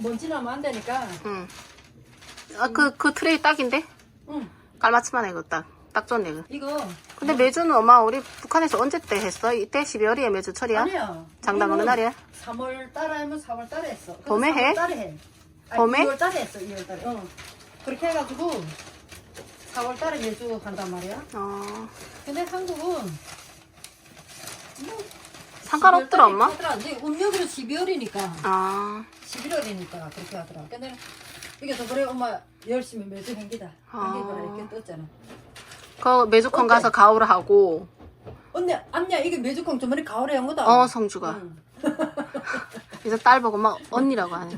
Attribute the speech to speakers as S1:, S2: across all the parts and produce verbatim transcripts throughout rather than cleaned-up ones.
S1: 먼지 나면 안 되니까.
S2: 응. 아, 그, 그 트레이 딱인데?
S1: 응.
S2: 깔맞춤하네, 이거 딱. 딱 좋네, 이거.
S1: 이거.
S2: 근데 매주는 엄마, 우리 북한에서 언제 때 했어? 이때 십이월이에 매주 철이야?
S1: 아니야.
S2: 장담 어느 날이야?
S1: 삼월 달에 하면 삼월 달에 했어.
S2: 봄에 해?
S1: 삼월 달에 해. 아니,
S2: 봄에?
S1: 이월 달에 했어, 이월 달에. 어. 그렇게 해가지고 사월 달에 매주 한단 말이야.
S2: 어.
S1: 근데 한국은 뭐
S2: 상관없더라, 엄마?
S1: 근데 음력으로 십이월이니까.
S2: 아.
S1: 십일월이니까 그렇게 하더라. 근데 이게 더 그래 엄마 열심히 매주 행기다.
S2: 아.
S1: 행기거라 이렇게 떴잖아.
S2: 그 매주콘 가서 가오를 하고.
S1: 언니 안냐 이게 매주콩 저번에 가을에 한 거다.
S2: 어, 성주가.
S1: 응.
S2: 그래서 딸 보고 막 언니라고 하네.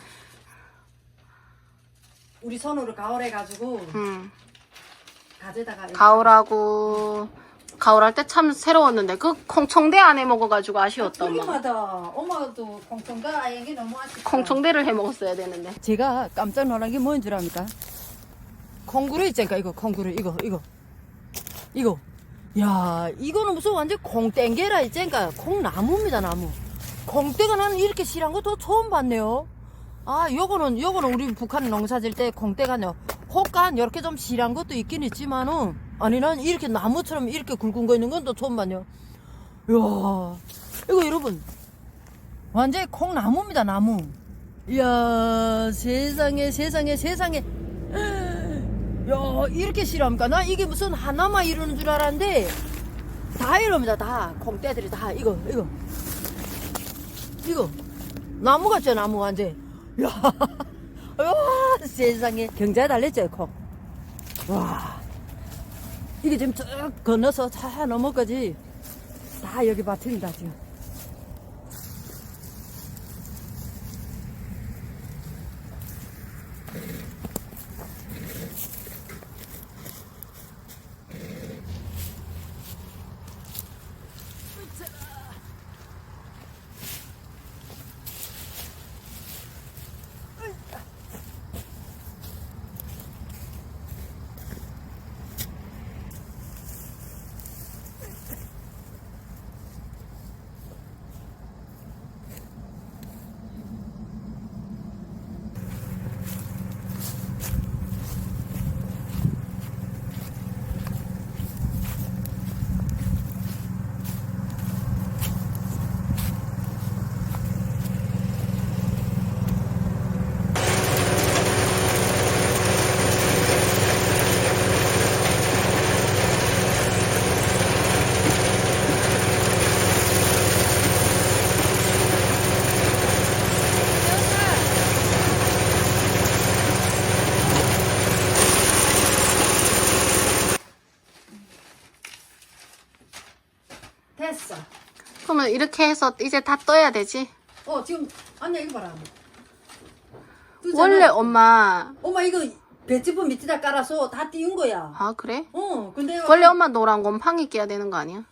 S1: 우리 손으로 가을 해가지고
S2: 응.
S1: 가져다가
S2: 가오라고. 가오할 때 참 새로웠는데 그 콩청대 안에 먹어가지고 아쉬웠다, 엄마.
S1: 그림마다 엄마도 콩청다 아예 게 너무 아쉽다.
S2: 콩청대를 해 먹었어야 되는데.
S1: 제가 깜짝 놀란 게 뭔 줄 압니까? 콩구르 있잖아 이거 콩구르 이거 이거 이거 야 이거는 무슨 완전 콩땡게라 있잖아. 콩나무입니다 나무. 콩땡은 나는 이렇게 실한 거 더 처음 봤네요. 아 요거는 요거는 우리 북한 농사 질 때 콩땡가요 혹간 이렇게 좀 실한 것도 있긴 있지만은 아니 난 이렇게 나무처럼 이렇게 굵은 거 있는 건 또 처음 봤네요. 이야 이거 여러분 완전히 콩나무입니다 나무. 이야 세상에 세상에 세상에 야 이렇게 실합니까? 나 이게 무슨 하나만 이러는 줄 알았는데 다 이럽니다. 다 콩떼들이 다 이거 이거 이거 나무 같죠 나무 완전. 야, 야 세상에 경자에 달렸죠 콩. 와 이게 지금 쭉 건너서 차 넘어까지 다 여기 밭입니다 지금. 됐어.
S2: 그러면 이렇게 해서 이제 다 떠야 되지?
S1: 어 지금 아니야 이거 봐라. 뜨잖아.
S2: 원래 엄마.
S1: 엄마 이거 배치부 밑에다 깔아서 다 띄운 거야.
S2: 아, 그래?
S1: 어 근데
S2: 원래 엄마 노란 곰팡이 끼야 되는 거 아니야?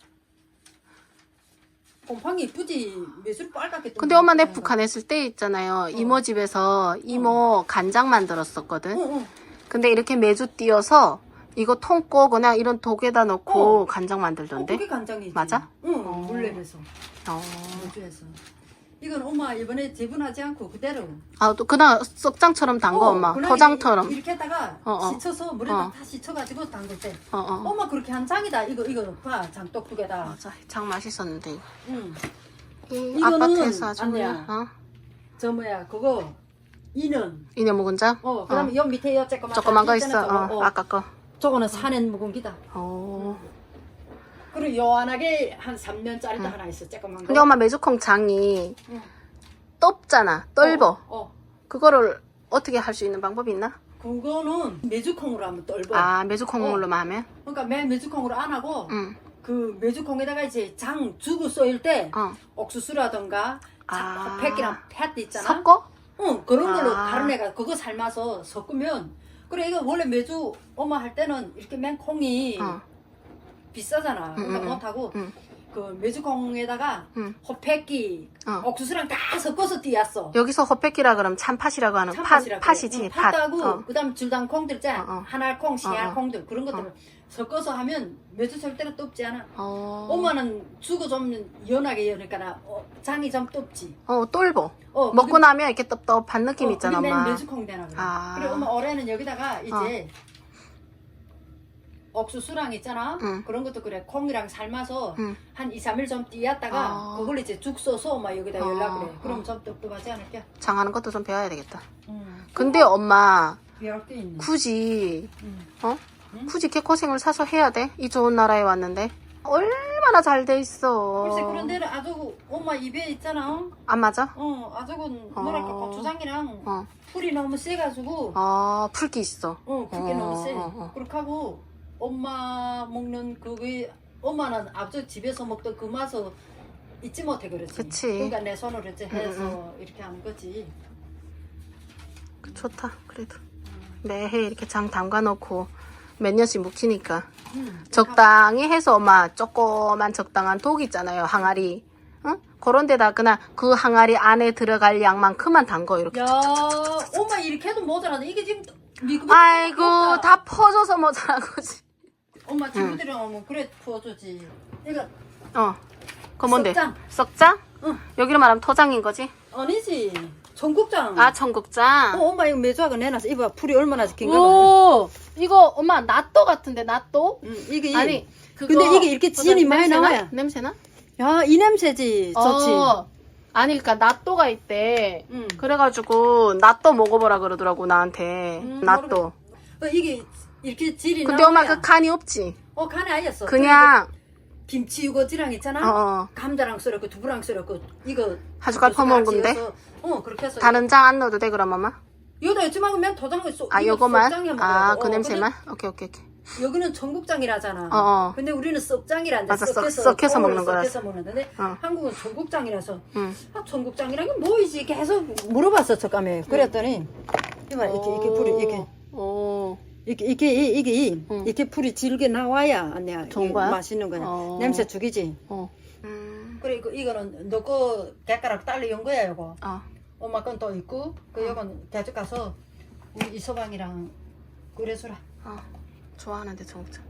S1: 곰팡이 이쁘지 매술 빨갛게.
S2: 근데 엄마 내 북한 했을 때 있잖아요. 이모 집에서 이모 간장 만들었었거든.
S1: 응, 응.
S2: 근데 이렇게 매주 띄어서 이거 통고 그냥 이런 독에다 넣고
S1: 어.
S2: 간장
S1: 어,
S2: 만들던데.
S1: 그게 간장이지.
S2: 맞아?
S1: 응
S2: 어.
S1: 물레에서
S2: 어.
S1: 물주에서. 이건 엄마 이번에 재분하지 않고 그대로.
S2: 아, 또 그냥 썩장처럼 담궈
S1: 어,
S2: 엄마.
S1: 그냥
S2: 포장처럼.
S1: 이렇게 했다가
S2: 어, 어.
S1: 씻어서 물에다
S2: 어.
S1: 다 씻어가지고 담글 때.
S2: 어, 어.
S1: 엄마 그렇게 한 장이다. 이거 이거 봐 장독 두 개다.
S2: 맞아. 장 맛있었는데. 이거.
S1: 응.
S2: 이
S1: 이거는
S2: 아파트에서 아주
S1: 아니야.
S2: 그냥, 어?
S1: 저 뭐야 그거 이는.
S2: 이내 묵은 자?
S1: 어 그다음에 요 밑에 요 조그만
S2: 조그만 거
S1: 있잖아,
S2: 있어.
S1: 저거.
S2: 어,
S1: 어.
S2: 아까 거.
S1: 저거는 산엔 묵은 기다.
S2: 어.
S1: 그리고 요한하게 한 삼 년짜리도
S2: 응.
S1: 하나 있어. 조그만 거.
S2: 근데 엄마 매주콩 장이
S1: 응.
S2: 떫잖아. 떫어.
S1: 어, 어.
S2: 그거를 어떻게 할 수 있는 방법이 있나?
S1: 그거는 메주콩으로 하면 떫어.
S2: 아, 매주콩물로만 하면?
S1: 그러니까 맨 메주콩으로 안 하고
S2: 응.
S1: 그 메주콩에다가 이제 장 주고 쏘일 때
S2: 어.
S1: 옥수수라던가
S2: 아.
S1: 팩이랑 팻 있잖아.
S2: 섞어?
S1: 응 그런 걸로
S2: 아.
S1: 다른 애가 그거 삶아서 섞으면 그래 이거 원래 메주 엄마 할 때는 이렇게 맨 콩이
S2: 어.
S1: 비싸잖아. 그러니까
S2: 응, 응,
S1: 못하고
S2: 응.
S1: 그 메주콩에다가
S2: 응.
S1: 호패기
S2: 어.
S1: 옥수수랑 다 섞어서 띄었어.
S2: 여기서 호패기라 그러면 참팥이라고 하는 팥,
S1: 참팥이라고
S2: 팥이지.
S1: 응,
S2: 팥.
S1: 팥하고
S2: 어.
S1: 그다음 줄당 콩들 있잖아.
S2: 어, 어.
S1: 한알 콩, 씨알
S2: 어, 어.
S1: 콩들 그런 것들을 섞어서 하면 매주 절대로 떱지 않아.
S2: 어.
S1: 엄마는 주고 좀 연하게 여니까 어, 장이 좀 떱지.
S2: 어, 똘보.
S1: 어,
S2: 먹고
S1: 그게-
S2: 나면 이렇게 떡떡한 느낌
S1: 어,
S2: 있잖아,
S1: 그게
S2: 엄마.
S1: 맨 매주콩 되나 그래.
S2: 아.
S1: 그리고 엄마 올해는 여기다가 이제 옥수수랑 있잖아.
S2: 응.
S1: 그런 것도 그래. 콩이랑 삶아서
S2: 응.
S1: 한 이, 삼 일 좀 띄었다가
S2: 아.
S1: 그걸 이제 죽 써서 엄마 여기다 열라
S2: 아.
S1: 그래. 그럼 좀 떱떱하지 않을게?
S2: 장하는 것도 좀 배워야 되겠다.
S1: 응.
S2: 근데 엄마,
S1: 배울 게 있네.
S2: 굳이,
S1: 응.
S2: 어?
S1: 응?
S2: 굳이 개코생을 사서 해야 돼? 이 좋은 나라에 왔는데? 얼마나 잘 돼 있어.
S1: 글쎄 그런 데는 아주 엄마 입에 있잖아.
S2: 안 맞아?
S1: 어, 아주군 뭐랄까
S2: 어.
S1: 고추장이랑
S2: 어.
S1: 풀이 너무 세가지고
S2: 아, 풀기 있어.
S1: 어, 그게
S2: 어,
S1: 너무 세.
S2: 어, 어.
S1: 그렇게 하고 엄마 먹는 그게 엄마는 앞서 집에서 먹던 그 맛을 잊지 못해 그러지.
S2: 그치.
S1: 그러니까 내 손으로 이제 해서
S2: 응,
S1: 이렇게 하는 거지.
S2: 좋다, 그래도. 매해 이렇게 장 담가 놓고 몇 년씩 묵히니까.
S1: 음,
S2: 적당히 해서 엄마 조그만 적당한 독 있잖아요, 항아리. 응? 그런 데다 그냥 그 항아리 안에 들어갈 양만큼만 담궈, 이렇게.
S1: 야, 엄마 이렇게 해도 모자라네. 이게 지금 미국
S2: 아이고, 다 퍼져서 모자란 거지.
S1: 엄마 친구들이랑 오면 그래 부어주지. 이거
S2: 어. 그거 뭔데?
S1: 썩장.
S2: 썩장?
S1: 응.
S2: 여기로 말하면 토장인 거지?
S1: 아니지. 청국장.
S2: 아, 청국장.
S1: 어, 엄마 이거 매주하고 내놨어. 이봐 풀이 얼마나 긴가 봐.
S2: 오, 이거 엄마 낫또 같은데, 낫또?
S1: 응, 이게
S2: 아니, 그거.
S1: 근데 이게 이렇게 진이 많이
S2: 냄새나?
S1: 나와야.
S2: 냄새나?
S1: 야, 이 냄새지. 좋지.
S2: 어. 아니, 그니까 낫또가 있대.
S1: 응.
S2: 그래가지고 낫또 먹어보라 그러더라고, 나한테.
S1: 음,
S2: 낫또.
S1: 어, 이게 이렇게 질이
S2: 근데 엄마
S1: 나와야.
S2: 그 간이 없지?
S1: 어, 간이 아니었어.
S2: 그냥,
S1: 김치 유거지랑 있잖아.
S2: 어, 어.
S1: 감자랑 썰었고 두부랑 썰었고 이거
S2: 한 숟갈 퍼먹은 건데?
S1: 해서, 어, 그렇게 해서.
S2: 다른 장 안 넣어도 돼, 그럼 엄마?
S1: 여기다 있지만 그냥 도장을 쏘.
S2: 아,
S1: 이거
S2: 요거만?
S1: 썩장에
S2: 아,
S1: 먹으라고.
S2: 그
S1: 어,
S2: 냄새만? 오케이, 오케이, 오케이.
S1: 근데 여기는 청국장이라잖아.
S2: 어, 어.
S1: 근데 우리는 썩장이란데.
S2: 맞아, 썩-
S1: 썩해서
S2: 썩해서
S1: 콩을
S2: 먹는 거라서.
S1: 썩해서 먹는데
S2: 어.
S1: 한국은 청국장이라서.
S2: 응.
S1: 아, 청국장이란 게 뭐이지? 계속 물어봤어, 저감에. 그랬더니 이봐 이렇게 이렇게 풀이 이렇게
S2: 오.
S1: 이게 이게 이- 이게 이-
S2: 응.
S1: 이렇게 풀이 질게 나와야 내가
S2: 좋은
S1: 이게
S2: 거야?
S1: 맛있는 거야.
S2: 어.
S1: 냄새 죽이지.
S2: 어. 음.
S1: 그래 이거 이거는 너거 객가락 딸려 연 거야 이거.
S2: 어.
S1: 엄마 건 또 있고 그 이건 가져가서 우리 이서방이랑 끓여주라.
S2: 어. 좋아하는데, 청국장.